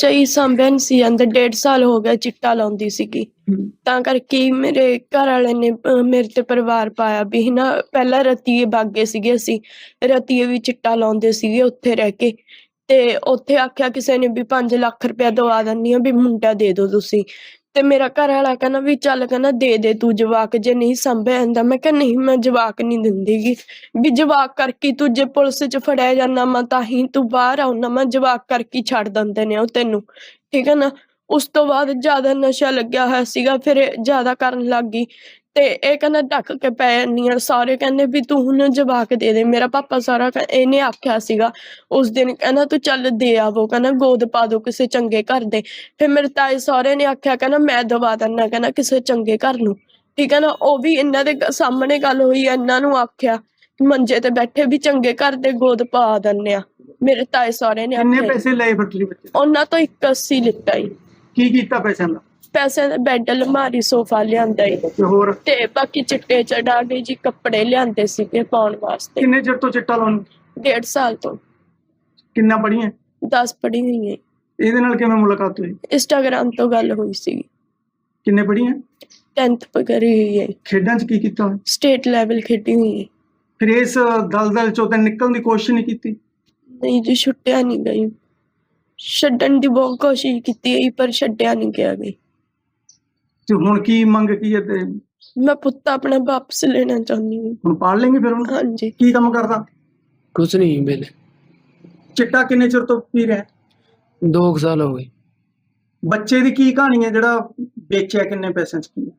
ਬੱਚਾ ਹੀ ਸਾਂਭਿਆ ਨਹੀਂ ਸੀ ਜਾਂਦਾ। 1.5 ਸਾਲ ਹੋ ਗਿਆ ਚਿੱਟਾ ਲਾਉਂਦੀ ਸੀਗੀ। ਤਾਂ ਕਰਕੇ ਹੀ ਮੇਰੇ ਘਰ ਵਾਲੇ ਨੇ ਮੇਰੇ ਤੇ ਪਰਿਵਾਰ ਪਾਇਆ ਵੀ ਹਨਾ। ਪਹਿਲਾਂ ਰਤੀਏ ਬਾਗੇ ਸੀਗੇ, ਅਸੀਂ ਰਤੀਏ ਵੀ ਚਿੱਟਾ ਲਾਉਂਦੇ ਸੀਗੇ ਉੱਥੇ ਰਹਿ ਕੇ। ਤੇ ਉੱਥੇ ਆਖਿਆ ਕਿਸੇ ਨੇ ਵੀ 5 ਲੱਖ ਰੁਪਇਆ ਦਵਾ ਦਿੰਦੀ ਆ ਵੀ ਮੁੰਡਾ ਦੇ ਦਿਓ ਤੁਸੀਂ। ਤੇ ਮੇਰਾ ਘਰ ਵਾਲਾ ਕਹਿੰਦਾ ਵੀ ਚੱਲ, ਕਹਿੰਦਾ ਦੇ ਤੂੰ ਜਵਾਕ, ਜੇ ਨਹੀਂ ਸਾਂਭਿਆ ਜਾਂਦਾ। ਮੈਂ ਕਿਹਾ ਨਹੀਂ, ਮੈਂ ਜਵਾਕ ਨਹੀਂ ਦਿੰਦੀਗੀ ਵੀ ਜਵਾਕ ਕਰਕੇ ਤੂੰ ਜੇ ਪੁਲਿਸ 'ਚ ਫੜਿਆ ਜਾਂਦਾ ਮੈਂ ਤਾਂ ਹੀ ਤੂੰ ਬਾਹਰ ਆਉਣਾ, ਮੈਂ ਜਵਾਕ ਕਰਕੇ ਛੱਡ ਦਿੰਦੇ ਨੇ ਉਹ ਤੈਨੂੰ, ਠੀਕ ਹੈ ਨਾ। ਉਸ ਤੋਂ ਬਾਅਦ ਜ਼ਿਆਦਾ ਨਸ਼ਾ ਲੱਗਿਆ ਹੋਇਆ ਸੀਗਾ, ਫਿਰ ਇਹ ਜ਼ਿਆਦਾ ਕਰਨ ਲੱਗ ਗਈ। ਤੇ ਇਹ ਕਹਿੰਦਾ ਢੱਕ ਕੇ ਪੈ ਜਾਂਦੀ ਆ। ਸਾਰੇ ਕਹਿੰਦੇ ਵੀ ਤੂੰ ਹੁਣ ਜਵਾਕ ਦੇ ਦੇ। ਮੇਰਾ ਪਾਪਾ ਸਾਰਾ ਇਹਨੇ ਆਖਿਆ ਸੀਗਾ ਉਸ ਦਿਨ, ਕਹਿੰਦਾ ਤੂੰ ਚੱਲ ਦੇ ਆਵੋ, ਕਹਿੰਦਾ ਗੋਦ ਪਾ ਦੋ ਕਿਸੇ ਚੰਗੇ ਘਰ ਦੇ। ਫਿਰ ਮੇਰੇ ਤਾਏ ਸਹੁਰੇ ਨੇ ਆਖਿਆ, ਕਹਿੰਦਾ ਮੈਂ ਦਵਾ ਦਿੰਦਾ, ਕਹਿੰਦਾ ਕਿਸੇ ਚੰਗੇ ਘਰ ਨੂੰ, ਠੀਕ ਹੈ ਨਾ। ਉਹ ਵੀ ਇਹਨਾਂ ਦੇ ਸਾਹਮਣੇ ਗੱਲ ਹੋਈ, ਇਹਨਾਂ ਨੂੰ ਆਖਿਆ ਮੰਜੇ ਤੇ ਬੈਠੇ ਵੀ ਚੰਗੇ ਘਰ ਦੇ ਗੋਦ ਪਾ ਦਿੰਦੇ ਆ। ਮੇਰੇ ਤਾਏ ਸਹੁਰੇ ਨੇ ਕਿੰਨੇ ਆਖਿਆ। ਪੈਸੇ ਲਏ ਫਿਰ ਤੁਸੀਂ ਬੱਚੇ ਤੋਂ? ਉਹਨਾਂ ਤੋਂ 81 ਲਿੱਤਾ ਜੀ। ਕੀ ਕੀਤਾ ਪੈਸਿਆਂ ਦਾ? ਪੈਸੇ ਦਾ ਬੈੱਡ, ਅਲਮਾਰੀ, ਸੋਫਾ ਲਿਆਂਦਾ ਜੀ। ਤੇ ਹੋਰ ਤੇ ਬਾਕੀ ਚਿੱਟੇ ਚੜਾ ਕੇ ਜੀ ਕੱਪੜੇ ਲਿਆਂਦੇ ਸੀਗੇ ਪਾਉਣ ਵਾਸਤੇ। ਕਿੰਨੇ ਚਿਰ ਤੋਂ ਚਿੱਟਾ ਲਾਉਣ? 1.5 ਸਾਲ ਤੋਂ। ਕਿੰਨਾ ਪੜ੍ਹੀਆਂ? 10 ਪੜ੍ਹੀ ਹੋਈ ਹੈ। ਇਹਦੇ ਨਾਲ ਕਿਵੇਂ ਮੁਲਾਕਾਤ ਹੋਈ? ਇੰਸਟਾਗ੍ਰਾਮ ਤੋਂ ਗੱਲ ਹੋਈ ਸੀਗੀ। ਕਿੰਨੇ ਪੜ੍ਹੀਆਂ? 10th ਕਰੀ ਹੋਈ ਹੈ। ਖੇਡਾਂ 'ਚ ਕੀ ਕੀਤਾ? ਸਟੇਟ ਲੈਵਲ ਖੇਡੀ ਹੋਈ ਹੈ। ਫਿਰ ਇਸ ਦਲਦਲ ਚੋਂ ਤਾਂ ਨਿਕਲਣ ਦੀ ਕੋਸ਼ਿਸ਼ ਨਹੀਂ ਕੀਤੀ? ਨਹੀਂ ਜੀ, ਛੁੱਟਿਆ ਨਹੀਂ ਗਈ। ਛੱਡਣ ਦੀ ਬਹੁਤ ਕੋਸ਼ਿਸ਼ ਕੀਤੀ ਹੈ ਪਰ ਛੱਡਿਆ ਨਹੀਂ ਗਿਆ ਗਈ। ਤੇ ਹੁਣ ਕੀ ਮੰਗ ਕੀ ਹੈ? ਤੇ ਮੈਂ ਪੁੱਤ ਆਪਣਾ ਵਾਪਸ ਲੈਣਾ ਚਾਹੁੰਦੀ ਹਾਂ। ਹੁਣ ਪਾਲ ਲੈਂਗੇ ਫਿਰ ਉਹਨੂੰ? ਹਾਂਜੀ। ਕੀ ਕੰਮ ਕਰਦਾ? ਕੁਛ ਨਹੀਂ ਵੇਲੇ। ਚਿੱਟਾ ਕਿੰਨੇ ਚਿਰ ਤੋਂ ਪੀ ਰਿਹਾ? 2 ਸਾਲ ਹੋ ਗਏ। ਬੱਚੇ ਦੀ ਕੀ ਕਹਾਣੀ ਹੈ ਜਿਹੜਾ ਵੇਚਿਆ? ਕਿੰਨੇ ਪੈਸਿਆਂ 'ਚ ਕੀ?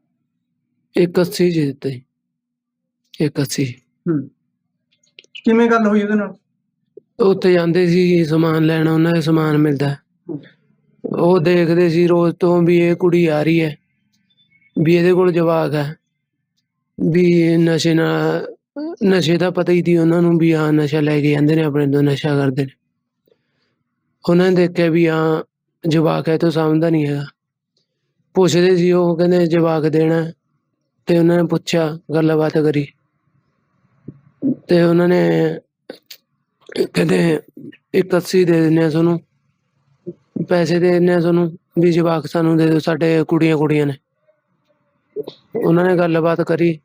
81 ਜੀ ਦਿੱਤੇ। 81। ਕਿਵੇਂ ਗੱਲ ਹੋਈ ਉਹਦੇ ਨਾਲ? ਉੱਥੇ ਜਾਂਦੇ ਸੀ ਸਮਾਨ ਲੈਣ, ਉਹਨਾਂ ਦੇ ਸਮਾਨ ਮਿਲਦਾ। ਉਹ ਦੇਖਦੇ ਸੀ ਰੋਜ਼ ਤੋਂ ਵੀ ਇਹ ਕੁੜੀ ਆ ਰਹੀ ਹੈ, ਵੀ ਇਹਦੇ ਕੋਲ ਜਵਾਕ ਹੈ, ਵੀ ਨਸ਼ੇ ਦਾ ਪਤਾ ਹੀ ਸੀ ਉਹਨਾਂ ਨੂੰ ਵੀ ਹਾਂ ਨਸ਼ਾ ਲੈ ਕੇ ਜਾਂਦੇ ਨੇ, ਆਪਣੇ ਤੋਂ ਨਸ਼ਾ ਕਰਦੇ ਨੇ। ਉਹਨਾਂ ਨੇ ਦੇਖਿਆ ਵੀ ਹਾਂ ਜਵਾਕ ਹੈ, ਤੋਂ ਸਮਝਦਾ ਨਹੀਂ ਹੈਗਾ। ਪੁੱਛਦੇ ਸੀ, ਉਹ ਕਹਿੰਦੇ ਜਵਾਕ ਦੇਣਾ। ਤੇ ਉਹਨਾਂ ਨੇ ਪੁੱਛਿਆ, ਗੱਲਬਾਤ ਕਰੀ, ਤੇ ਉਹਨਾਂ ਨੇ ਕਹਿੰਦੇ 81 ਦੇ ਦਿੰਦੇ ਆ ਤੁਹਾਨੂੰ, ਪੈਸੇ ਦੇ ਦਿੰਦੇ ਆ ਤੁਹਾਨੂੰ, ਵੀ ਜਵਾਕ ਸਾਨੂੰ ਦੇ ਦਿਓ, ਸਾਡੇ ਕੁੜੀਆਂ ਨੇ। ਉਹਨਾਂ ਨੇ ਗੱਲਬਾਤ ਕਰੀ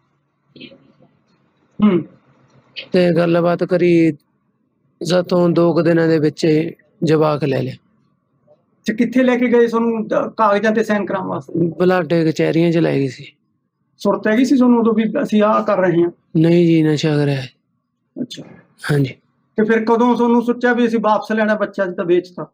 ਤੇ ਗੱਲਬਾਤ ਕਰੀ ਜਦੋਂ 2 ਦਿਨਾਂ ਦੇ ਵਿੱਚ ਜਵਾਕ ਲੈ ਲਿਆ। ਤੇ ਕਿੱਥੇ ਲੈ ਕੇ ਗਏ ਤੁਹਾਨੂੰ ਕਾਗਜ਼ਾਂ ਤੇ ਸਾਈਨ ਕਰਾਉਣ ਵਾਸਤੇ? ਬਲਾਡੇ ਕਚਹਿਰੀਆਂ ਚ ਲੈ ਗਈ ਸੀ। ਸੁਰਤ ਹੈਗੀ ਸੀ ਤੁਹਾਨੂੰ ਉਦੋਂ ਵੀ ਅਸੀਂ ਆਹ ਕਰ ਰਹੇ ਹਾਂ? ਨਹੀਂ ਜੀ, ਨਸ਼ਾ ਕਰਿਆ। ਅੱਛਾ। ਹਾਂਜੀ। ਤੇ ਫਿਰ ਕਦੋਂ ਤੁਹਾਨੂੰ ਸੋਚਿਆ ਵੀ ਅਸੀਂ ਵਾਪਸ ਲੈਣਾ ਬੱਚਾ, ਅੱਜ ਤਾਂ ਵੇਚਤਾ?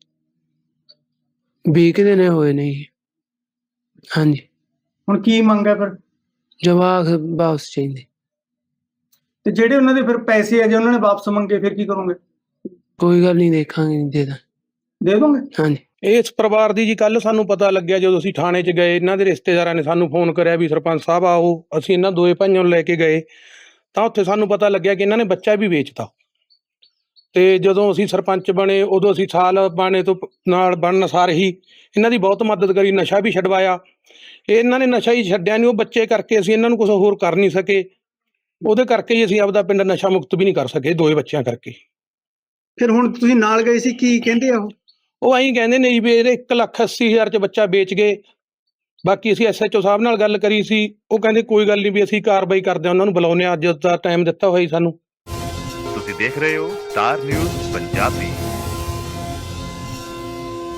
20 ਦਿਨ ਹੋਏ ਨੇ ਜੀ। ਹਾਂਜੀ। ਹੁਣ ਕੀ ਮੰਗ ਹੈ ਫਿਰ? ਜਵਾਕ ਵਾਪਸ ਚਾਹੀਦੇ। ਤੇ ਜਿਹੜੇ ਉਹਨਾਂ ਦੇ ਫਿਰ ਪੈਸੇ ਆ, ਜੇ ਉਹਨਾਂ ਨੇ ਵਾਪਸ ਮੰਗੇ ਫਿਰ ਕੀ ਕਰੋਗੇ? ਕੋਈ ਗੱਲ ਨਹੀਂ, ਦੇਖਾਂਗੇ, ਦੇ ਦੋਗੇ? ਹਾਂਜੀ। ਇਸ ਪਰਿਵਾਰ ਦੀ ਜੀ ਕੱਲ ਸਾਨੂੰ ਪਤਾ ਲੱਗਿਆ ਜਦੋਂ ਅਸੀਂ ਥਾਣੇ 'ਚ ਗਏ। ਇਹਨਾਂ ਦੇ ਰਿਸ਼ਤੇਦਾਰਾਂ ਨੇ ਸਾਨੂੰ ਫੋਨ ਕਰਿਆ ਵੀ ਸਰਪੰਚ ਸਾਹਿਬ ਆਓ। ਅਸੀਂ ਇਹਨਾਂ ਦੋਏ ਭਾਈਆਂ ਨੂੰ ਲੈ ਕੇ ਗਏ ਤਾਂ ਉੱਥੇ ਸਾਨੂੰ ਪਤਾ ਲੱਗਿਆ ਕਿ ਇਹਨਾਂ ਨੇ ਬੱਚਾ ਵੀ ਵੇਚਤਾ। ਤੇ ਜਦੋਂ ਅਸੀਂ ਸਰਪੰਚ ਬਣੇ ਉਦੋਂ ਅਸੀਂ ਸਾਲ ਬਾਣੇ ਤੋਂ ਨਾਲ ਬਣਨ ਸਾਰ ਹੀ ਇਹਨਾਂ ਦੀ ਬਹੁਤ ਮਦਦ ਕਰੀ, ਨਸ਼ਾ ਵੀ ਛਡਵਾਇਆ। ਇਹਨਾਂ ਨੇ ਨਸ਼ਾ ਹੀ ਛੱਡਿਆ ਨਹੀਂ, ਉਹ ਬੱਚੇ ਕਰਕੇ ਅਸੀਂ ਇਹਨਾਂ ਨੂੰ ਕੁਛ ਹੋਰ ਕਰ ਨਹੀਂ ਸਕੇ। ਉਹਦੇ ਕਰਕੇ ਹੀ ਅਸੀਂ ਆਪਦਾ ਪਿੰਡ ਨਸ਼ਾ ਮੁਕਤ ਵੀ ਨਹੀਂ ਕਰ ਸਕੇ, 2 ਬੱਚਿਆਂ ਕਰਕੇ। ਫਿਰ ਹੁਣ ਤੁਸੀਂ ਨਾਲ ਗਏ ਸੀ, ਕੀ ਕਹਿੰਦੇ ਆ ਉਹ ਐਂ ਕਹਿੰਦੇ ਨੇ ਜੀ ਵੀ ਇਹਦੇ 1,80,000 'ਚ ਬੱਚਾ ਵੇਚ ਗਏ। ਬਾਕੀ ਅਸੀਂ SHO ਸਾਹਿਬ ਨਾਲ ਗੱਲ ਕਰੀ ਸੀ, ਉਹ ਕਹਿੰਦੇ ਕੋਈ ਗੱਲ ਨਹੀਂ, ਵੀ ਅਸੀਂ ਕਾਰਵਾਈ ਕਰਦੇ ਹਾਂ, ਉਹਨਾਂ ਨੂੰ ਬੁਲਾਉਂਦੇ ਹਾਂ। ਅੱਜ ਦਾ ਟਾਈਮ ਦਿੱਤਾ ਹੋਇਆ ਜੀ ਸਾਨੂੰ। ਤੁਸੀਂ ਦੇਖ ਰਹੇ ਹੋ ਸਟਾਰ ਨਿਊਜ਼ ਪੰਜਾਬੀ।